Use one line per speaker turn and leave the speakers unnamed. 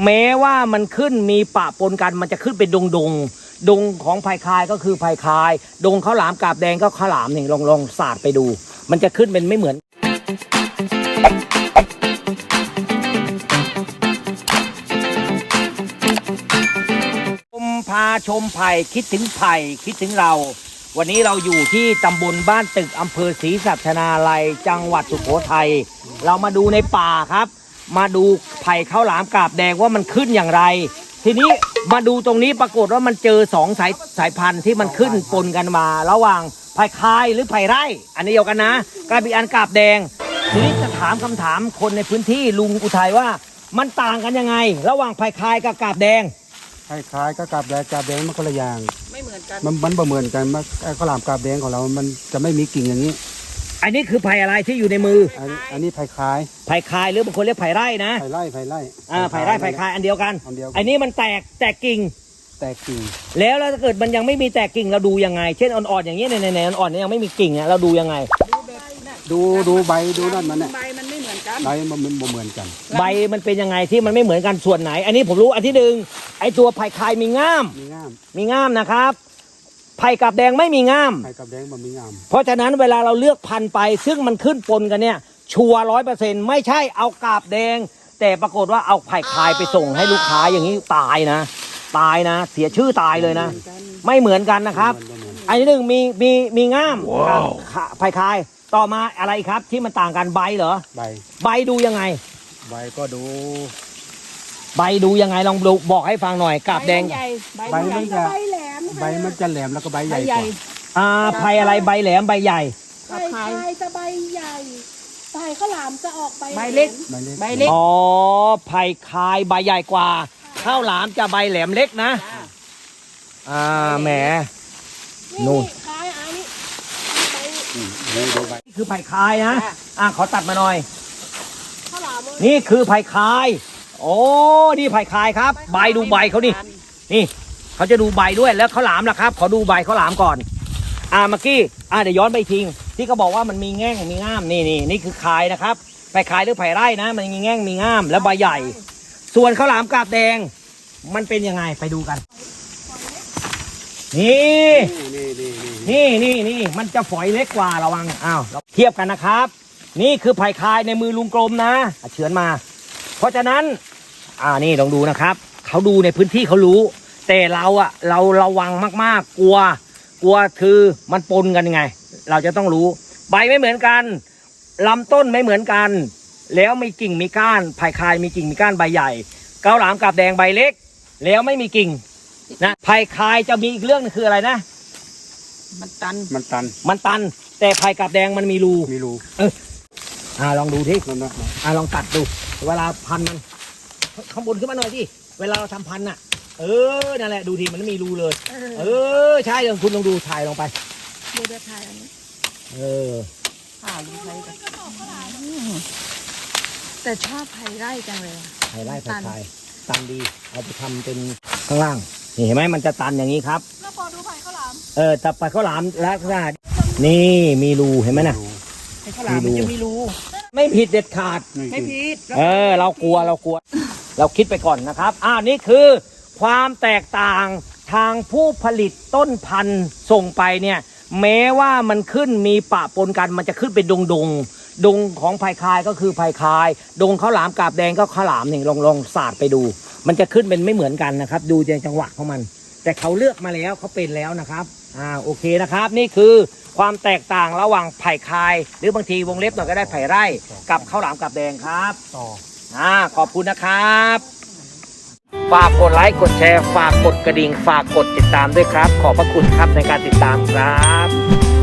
แม้ว่ามันขึ้นมีปะปนกันมันจะขึ้นเป็นดงของไผ่คายก็คือไผ่คายดงข้าวหลามกาบแดงก็ข้าวหลามนี่ลองสาดไปดูมันจะขึ้นเป็นไม่เหมือนพาชมไผ่คิดถึงไผ่คิดถึงเราวันนี้เราอยู่ที่ตำบลบ้านตึกอำเภอศรีสัชนาลัยจังหวัดสุโขทัยเรามาดูในป่าครับมาดูไผ่ข้าวหลามกาบแดงว่ามันขึ้นอย่างไรทีนี้มาดูตรงนี้ปรากฏว่ามันเจอสายพันธุ์ที่มันขึ้นปนกันมาระหว่างไผ่คายหรือไผ่ไร่อันนี้เดียวกันนะกับอีกอันกาบแดงทีนี้จะถามคำถามคนในพื้นที่ลุงอุทัยว่ามันต่างกันยังไงระหว่างไผ่คายกับกาบแดง
คล้ายๆก็กาบแดงมันคนละอย่าง
ไม่เหมือนกัน
มันบ่เหมือนกันข้าวหลามกาบแดงของเรามันจะไม่มีกิ่งอย่างนี้
อันนี้คือไผ่อะไรที่อยู่ในมือ
อันนี้ไผ่คาย
หรือบางคนเรียกไผ่ไร่นะ
ไผ่ไร่
ไผ่ไร่ไผ่คายอันเดียวกันอันนี้มันแตกกิ่งแล้วถ้าเกิดมันยังไม่มีแตกกิ่งเราดูยังไงเช่นอ่อนๆอย่างนี้ในอ่อนๆยังไม่มีกิ่งอ่ะเราดูยังไง
ดูใบดูนั่นมันเนี่ย
ใบมันไม่เหมือนกัน
ใบมันบ่เหมือนกัน
ใบมันเป็นยังไงที่มันไม่เหมือนกันส่วนไหนอันนี้ผมรู้อันที่หนึ่งไอตัวไผ่คายมีง่ามนะครับไผ่กาบแดงไม่มีง่าม
ไผ่กาบแดงมันมีง่าม
เพราะฉะนั้นเวลาเราเลือกพันธุ์ไปซึ่งมันขึ้นปนกันเนี่ยชัวร์100%ไม่ใช่เอากาบแดงแต่ปรากฏว่าเอาไผ่คายไปส่งให้ลูกค้าอย่างนี้ตายนะเสียชื่อตายเลยนะไม่เหมือนกันนะครับอันที่หนึ่งมีง่ามไผ่คายต่อมาอะไรครับที่มันต่างกันใบเหรอใบดูยังไง
ใบก็ดู
ยังไงลองดูบอกให้ฟังหน่อยกาบแดง
ใบมันจะแหลมแล้วก็ใบใหญ่กว่า
ไผ่อะไรใบแหลมใบใหญ่
ไผ่คายจะใบใหญ่ไผ่ข้าวหลามจะออกใบ
เล็ก
อ๋อไผ่คายใบใหญ่กว่าข้าวหลามจะใบแหลมเล็กนะแหมนู่นนี่คือไผ่คายนะขอตัดมาหน่อยนี่คือไผ่คายโอ้นี่ไผ่คายครับใบดูใบเขานี่เขาจะดูใบด้วยแล้วข้าวหลามล่ะครับขอดูใบข้าวหลามก่อนเมื่อกี้เดี๋ยวย้อนไปทิ้งที่เขาบอกว่ามันมีแง่งมีง่ามนี่คือคายนะครับไผ่คายหรือไผ่ไร่นะมันมีแง่งมีง่ามแล้วใบใหญ่ส่วนข้าวหลามกาบแดงมันเป็นยังไงไปดูกันนี่มันจะฝอยเล็กกว่าระวังเทียบกันนะครับนี่คือไผ่คายในมือลุงกลมนะเฉือนมาเพราะฉะนั้นนี่ลองดูนะครับเขาดูในพื้นที่เขารู้แต่เราระวังมากๆกลัวคือมันปนกันไงเราจะต้องรู้ใบไม่เหมือนกันลำต้นไม่เหมือนกันแล้วมีกิ่งมีก้านไผ่คายมีกิ่งมีก้านใบใหญ่ข้าวหลามกาบแดงใบเล็กแล้วไม่มีกิ่งนะไผ่คายจะมีอีกเรื่องนึงคืออะไรนะ
มันตั
นแต่ไผ่กาบแดงมันมีรูลองดูที่ลองตัดดูเวลาพันมันข้างบนขึ้นมาหน่อยที่เวลาเราทำพันน่ะนั่นแหละดูทีมันไม่มีรูเลยใช่คุณลองดูถ่ายลงไป
ดูถ่ายอันนี้
ดูไผ่แต่ชอบไผ่ไร่จังเลย
ไผ่ไร่ไผ่คายตันดีเอาไปทำเป็นข้างล่างนี่เห็นไหมมันจะตันอย่างนี้ครับ
แล้วพอดูไผ่ข้าวหลาม
แต่ไผ่ข้าวหลามลักษณะนี่มีรูเห็นไหมนะ
ไผ่ข้าวหลามมันจะมีรู
ไม่ผิดเด็ดขาด
ไม่ผิด
เรากลัวเราคิดไปก่อนนะครับนี่คือความแตกต่างทางผู้ผลิตต้นพันธุ์ส่งไปเนี่ยแม้ว่ามันขึ้นมีปะปนกันมันจะขึ้นเป็นดงของไผ่คายก็คือไผ่คายดงข้าวหลามกาบแดงก็ข้าวหลามนี่ลองสาดไปดูมันจะขึ้นเป็นไม่เหมือนกันนะครับดูจังหวะของมันแต่เขาเลือกมาแล้วเขาเป็นแล้วนะครับโอเคนะครับนี่คือความแตกต่างระหว่างไผ่คายหรือบางทีวงเล็บหน่อยก็ได้ไผ่ไร่กับข้าวหลามกาบแดงครับขอบคุณนะครับฝากกดไลค์กดแชร์ฝากกดกระดิ่งฝากกดติดตามด้วยครับขอบพระคุณครับในการติดตามครับ